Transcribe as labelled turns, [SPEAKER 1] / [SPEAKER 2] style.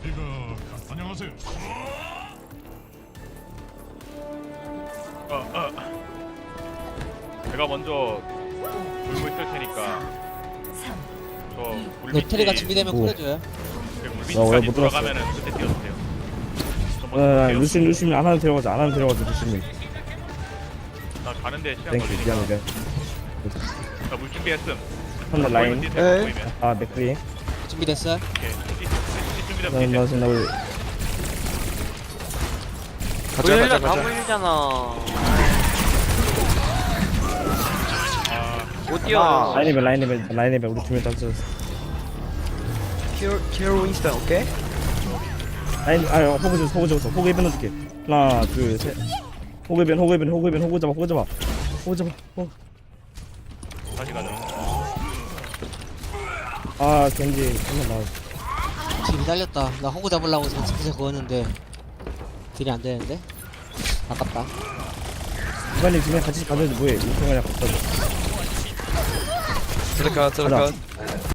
[SPEAKER 1] 안녕하세요.
[SPEAKER 2] 제가 먼저 물고 있을 테니까 저 물밑이
[SPEAKER 3] 노트리가 준비되면 콜해줘요.
[SPEAKER 4] 왜
[SPEAKER 2] 물밑까지
[SPEAKER 4] 못 들었어?
[SPEAKER 2] 돌아가면은 그때 뛰어주세요. 저 먼저 뛰어.
[SPEAKER 4] 루시님 안 하는 들어가자. 안 하는 들어가자 루시님.
[SPEAKER 2] 나 가는데 시간
[SPEAKER 4] 땡큐
[SPEAKER 2] 걸리니까.
[SPEAKER 4] 미안해.
[SPEAKER 2] 나물 준비했음.
[SPEAKER 4] 한대 라인.
[SPEAKER 2] 뛰세요, 보이면.
[SPEAKER 4] 아 맥크리.
[SPEAKER 3] 준비됐어요?
[SPEAKER 2] 오케이. 준비되면 뛰세요.
[SPEAKER 4] 나 지금 나올.
[SPEAKER 5] 물려 다 물리잖아. 못 뛰어.
[SPEAKER 4] 라인이벨 우리 두명 땄어.
[SPEAKER 5] 키로 윈스턴 오케이?
[SPEAKER 4] 라인 호그 줬어. 호그 이벤 넣어줄게. 하나 둘 셋. 호그 잡아.
[SPEAKER 2] 다시 가자.
[SPEAKER 4] 아 겐지 한번 나와.
[SPEAKER 3] 딜이 딸렸다. 나 호구 잡으려고 진짜 그었는데 딜이 안 되는데? 아깝다.
[SPEAKER 4] 이관님 그냥 같이 가면 뭐해? 이거 그냥 갖다 줘.
[SPEAKER 5] 들어가.
[SPEAKER 4] 가자.